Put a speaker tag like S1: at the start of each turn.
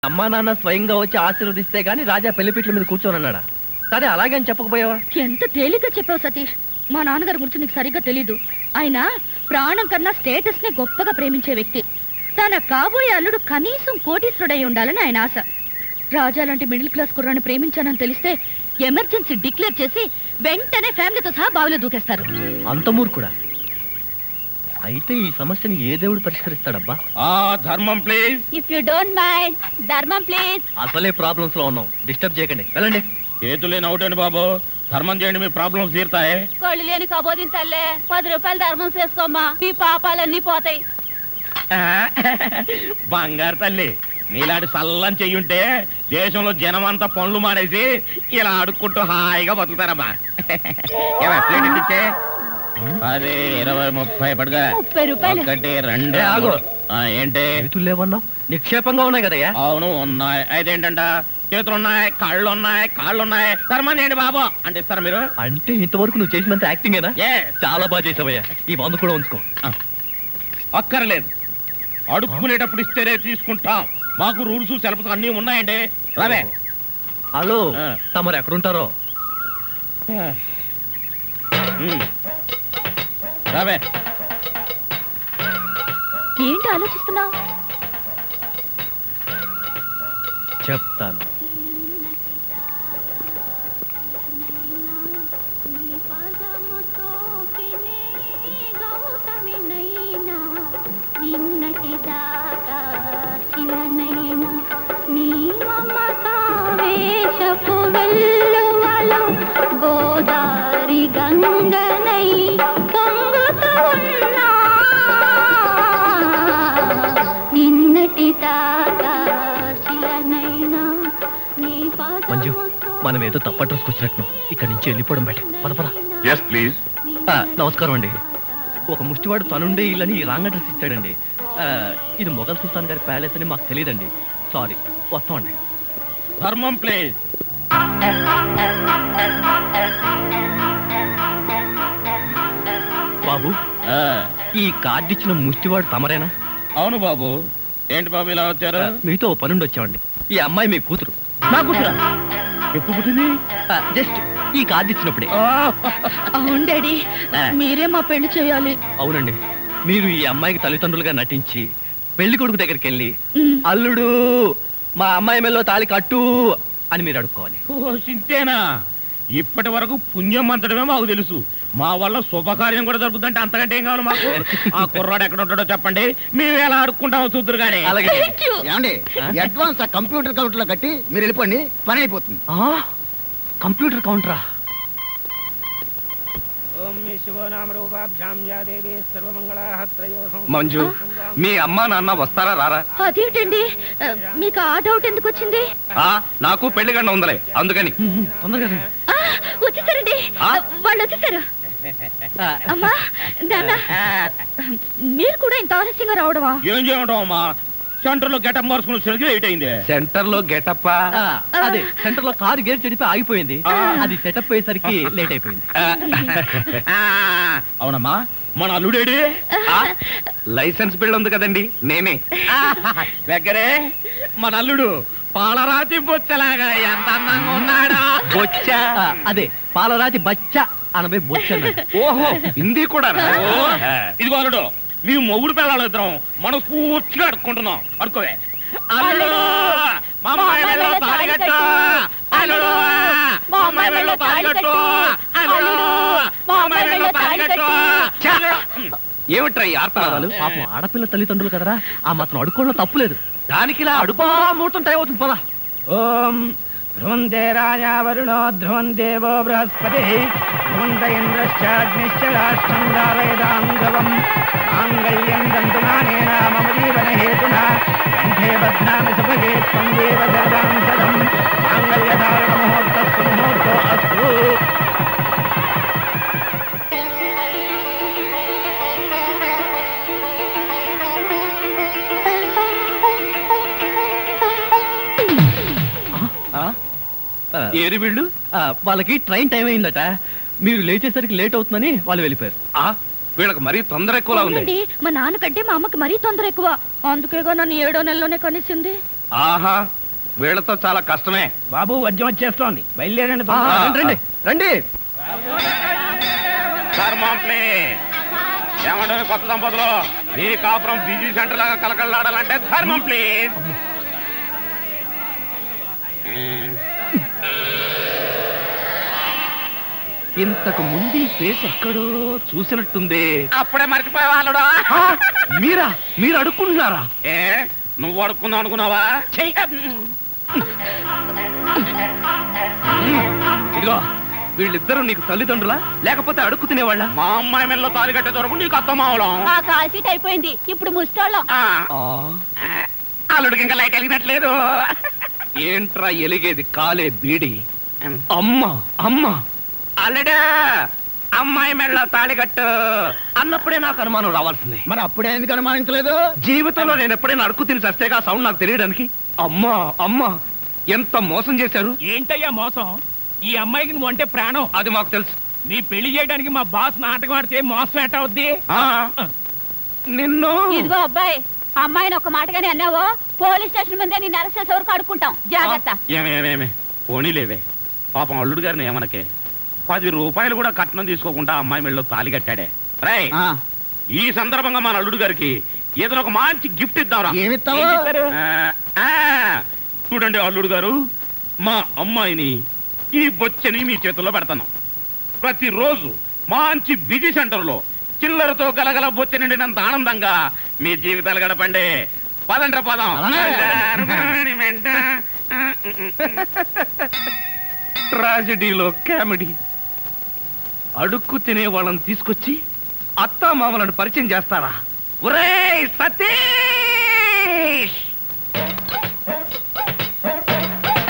S1: అమ్మా నాన్న స్వయంగా వచ్చి ఆశీర్వదిస్తే గానీ రాజా పెళ్లిపీట్ల మీద కూర్చోనన్నాడా? సరే అలాగే అని చెప్పకపోయావా?
S2: ఎంత తేలిగ్గా చెప్పావు సతీష్. మా నాన్నగారి గురించి నీకు సరిగ్గా తెలీదు. ఆయన ప్రాణం కన్నా స్టేటస్ ని గొప్పగా ప్రేమించే వ్యక్తి. తన కాబోయే అల్లుడు కనీసం కోటీశ్వరుడై ఉండాలని ఆయన ఆశ. రాజా లాంటి మిడిల్ క్లాస్ కుర్రాన్ని ప్రేమించానని తెలిస్తే ఎమర్జెన్సీ డిక్లేర్ చేసి వెంటనే ఫ్యామిలీతో సహా బావిలో దూకేస్తారు.
S1: అంత మూర్ఖుడా? అయితే ఈ సమస్యని ఏ దేవుడు పరిష్కరిస్తాడబ్బా?
S3: ధర్మం please.
S2: If you don't mind, ధర్మం ప్లీజ్.
S1: అసలే ప్రాబ్లమ్స్ లో ఉన్నాం, డిస్టర్బ్ చేయకండి, వెళ్ళండి.
S3: చేతులేని అవుటండి బాబు, ధర్మం చేయండి, మీ ప్రాబ్లమ్స్ తీరుతాయి.
S2: కళ్ళు లేని కబోదిన తల్లే, 10 రూపాయలు ధర్మం చేసుకోమ్మా, మీ పాపాలన్నీ పోతాయి.
S3: బంగారు తల్లి, నీలాంటి సల్లం చెయ్యుంటే దేశంలో జనం అంతా పనులు మానేసి ఇలా అడుక్కుంటూ హాయిగా బతుకుతారమ్మా. ఇచ్చే 10, 20, 30 పడుగా.
S2: 30 రూపాయలు.
S3: 1, 2. ఏంటి
S1: చేతులు లేవన్నావు? నిక్షేపంగా ఉన్నాయి కదయ్యా?
S3: అవును ఉన్నాయి. అయితే ఏంటంట, చేతులు ఉన్నాయి, కాళ్ళు ఉన్నాయి. ధర్మం చేయండి బాబు అంటే ఇస్తారా మీరు?
S1: అంటే ఇంతవరకు నువ్వు చేసినంత యాక్టింగేనా?
S3: Yes.
S1: చాలా బాగా చేసావయ్యా. ఈ మందు కూడా ఉంచుకో.
S3: అక్కర్లేదు, అడుక్కునేటప్పుడు ఇస్తేనే తీసుకుంటాం. మాకు రూల్స్ సెలవులు అన్నీ ఉన్నాయండి. రావే.
S1: హలో, తమరు ఎక్కడుంటారో?
S3: రావే.
S2: ఏంటి ఆలోచిస్తున్నావు?
S1: చెప్తాను.
S2: గోదారి గంగనై
S1: మంజు, మనం ఏదో తప్పట్రోసుకు వచ్చినట్టు ఇక్కడి నుంచి వెళ్ళిపోవడం బయట. పద.
S3: Yes please.
S1: నమస్కారం అండి. ఒక ముష్టివాడు తనుండే ఇల్లని రాంగ్ అడ్రస్ ఇచ్చాడండి. ఇది మొఘల్ సుల్తాన్ గారి ప్యాలెస్ అని మాకు తెలియదండి. సారీ, వస్తామండి.
S3: ధర్మం ప్లీజ్.
S1: బాబు, ఈ కార్డు ఇచ్చిన ముష్టివాడు తమరేనా?
S3: అవును బాబు. ఏంటి బాబు ఇలా వచ్చారు?
S1: మీతో ఓ పనుండి వచ్చామండి. ఈ అమ్మాయి మీ కూతురు.
S3: నా కూతురా? ఎప్పుడు పుట్టింది?
S1: జస్ట్ ఈ కార్డు ఇచ్చినప్పుడే.
S2: అవును డాడీ, మీరే మా పెళ్లి చేయాలి.
S1: అవునండి, మీరు ఈ అమ్మాయికి తల్లిదండ్రులుగా నటించి పెళ్లి కొడుకు దగ్గరికి వెళ్ళి అల్లుడు మా అమ్మాయి మెల్లో తాళి కట్టు అని మీరు అడుక్కోవాలి.
S3: ఓ సింతేనా? ఇప్పటి వరకు పుణ్యం అంతటమే మాకు తెలుసు. మా వల్ల శుభకార్యం కూడా జరుగుతుందంటే అంతకంటే ఏం కావాలి మాకు? ఆ కుర్రాడు ఎక్కడ ఉంటాడో చెప్పండి, మేము ఎలా అడుక్కుంటామో చూద్దరు కానీ.
S1: అలాగే.
S4: ఏమండి, అడ్వాన్స్ కంప్యూటర్ కౌంటర్ లో కట్టి మీరు వెళ్ళిపోండి, పని అయిపోతుంది.
S1: కంప్యూటర్ కౌంటరా?
S3: మంజు, మీ అమ్మా నాన్న వస్తారా రారా?
S2: అదేంటండి, మీకు ఆ డౌట్ ఎందుకు వచ్చింది?
S3: నాకు పెళ్లి గంట ఉందలే, అందుకని.
S1: తొందరగా.
S2: వచ్చేసారండి, వాళ్ళు వచ్చేసారు. అమ్మా నాన్న, మీరు కూడా ఇంత ఆలస్యంగా రావడమా?
S3: ఏం చేయడం అమ్మా, సెంటర్ లో గెటప్ మార్చుకుని వచ్చేసరికి లేట్ అయింది.
S4: సెంటర్ లో గెటప్?
S1: అదే, సెంటర్ లో కారు గేర్ చెడిపి ఆగిపోయింది. అది సెటప్ అయ్యేసరికి లేట్ అయిపోయింది.
S3: అవునమ్మా, మన అల్లుడేడి?
S4: లైసెన్స్ బిల్ ఉంది కదండి, నేనే.
S3: దగ్గరే మన అల్లుడు పాలరాతి బొచ్చలాగా ఎంత అందంగా ఉన్నాడా?
S1: బొచ్చ? అదే, పాలరాతి బచ్చ అనబై బొచ్చ.
S4: ఓహో, హిందీ కూడా.
S3: ఇదిగో అల్లుడు, మీ మొగుడు పిల్లలు ఇద్దరం మనం పూర్తిగా అడుక్కుంటున్నాం. అడుకోవే. అల్లుడు, మా అమ్మాయి మెడలో తాళి కట్టు. అల్లుడు, మా అమ్మాయి మెడలో తాళి కట్టు. అల్లుడు, మా అమ్మాయి మెడలో తాళి కట్టు.
S4: ఏమిట్రా ఈ ఆర్తనాదాలు?
S1: పాపం ఆడపిల్ల తల్లిదండ్రులు కదరా, ఆ మాత్రం అడుక్కోవడం తప్పులేదు. దానికి ఇలా అడుపా ముహూర్తం టైం అవుతుంది. పదా.
S5: ఓం ధ్రువంతే రాజా వరుణో ధ్రువం దేవో బృహస్పతి ధ్రువంత ఇంద్రశ్చాగ్నిశ్చ రాష్ట్రం దారయదాం ధ్రువం మాంగళ్యం దంతునానేన మమ జీవన హేతునా కంఠే బధ్నామి సుభగే త్వం దేవ జగదాం సదం మాంగళ్యధారణ ముహూర్తస్సు ముహూర్తో అస్తు.
S1: ఏరి వీళ్ళు, వాళ్ళకి ట్రైన్ టైం అయిందట. మీరు లేచేసరికి లేట్ అవుతుందని వాళ్ళు వెళ్ళిపోయారు.
S4: వీళ్ళకి మరీ తొందర ఎక్కువలా ఉంది.
S2: మా నాన్నకంటే మా అమ్మకి మరీ తొందర ఎక్కువ. అందుకేగా నన్ను 7వ నెలలోనే కనిసింది.
S3: ఆహా వీళ్ళతో చాలా కష్టమే.
S5: బాబు వద్యం వచ్చేస్తోంది, బయలుదేరండి.
S1: రండి రండి.
S3: ఏమంటే కొత్త దంపతులు మీ కాపురం బిజీ సెంటర్ లాగా కలకలాడాలంటే ధర్మం ప్లీజ్.
S1: ఇంతకు ముందు ఈ ఫేస్ ఎక్కడో చూసినట్టుంది.
S3: అప్పుడే మర్చిపోయే వాళ్ళుడా.
S1: మీరా? మీరు అడుక్కుంటున్నారా?
S3: ఏ నువ్వు అడుక్కుందాం అనుకున్నావా?
S1: ఇదిగో వీళ్ళిద్దరూ నీకు తల్లిదండ్రులా లేకపోతే అడుక్కు తినేవాళ్ళ?
S3: మా అమ్మాయి మెల్లో తాలి కట్టే దొరకు నీకు అత్తమావలం.
S2: ఆ కాల్ సీట్ అయిపోయింది, ఇప్పుడు ముస్టోళ్ళం.
S3: అల్లుడికి ఇంకా లైట్ వెలిగినట్లేదు.
S1: ఏంట్రా ఎలిగేది? కాలే బీడి. అమ్మా అమ్మా
S3: అల్లుడు అమ్మాయి మెళ్ళో తాళి కట్టు
S1: అన్నప్పుడే నాకు అనుమానం రావాల్సింది.
S4: మరి అప్పుడే ఎందుకు అనుమానించలేదు?
S1: జీవితంలో నేను ఎప్పుడైనా అడుక్కు తిని చస్తేగా సౌండ్ నాకు తెలియడానికి. అమ్మా అమ్మా ఎంత మోసం చేశారు.
S5: ఏంటయ్యా మోసం? ఈ అమ్మాయికి నువ్వు అంటే ప్రాణం.
S1: అది మాకు తెలుసు.
S5: నీ పెళ్లి చేయడానికి మా బాస్ నాటకం ఆడితే మోసం ఎట్ట అవుద్ది?
S1: నిన్ను
S2: ఇదిగో అబ్బాయి, అమ్మాయిని ఒక మాటగానే అన్నావో పోలీస్ స్టేషన్ ముందే నేను అరెస్ట్ చేసే వరకు అడుక్కుంటాం. జాగ్రత్త.
S3: ఏమేమేమే పోనీలేవే, పాపం అల్లుడు గారిని ఏమనకే. 10 రూపాయలు కూడా కట్నం తీసుకోకుండా అమ్మాయి మెళ్ళలో తాళి కట్టాడే. రై ఈ సందర్భంగా మన అల్లుడు గారికి ఏదైనా ఒక మంచి గిఫ్ట్ ఇద్దాంరా.
S4: ఏమిస్తావు?
S3: చూడండి అల్లుడు గారు, మా అమ్మాయిని ఈ బొచ్చని మీ చేతుల్లో పెడతాను. ప్రతిరోజు మంచి బిజీ సెంటర్లో చిల్లరతో గలగల బొచ్చ నిండినంత ఆనందంగా మీ జీవితాలు గడపండి. పదండ్ర పదం.
S1: ట్రాజెడీలో కామెడీ. అడుక్కు తినే వాళ్ళని తీసుకొచ్చి అత్తా మామలను పరిచయం చేస్తారా? ఒరేయ్ సతీష్!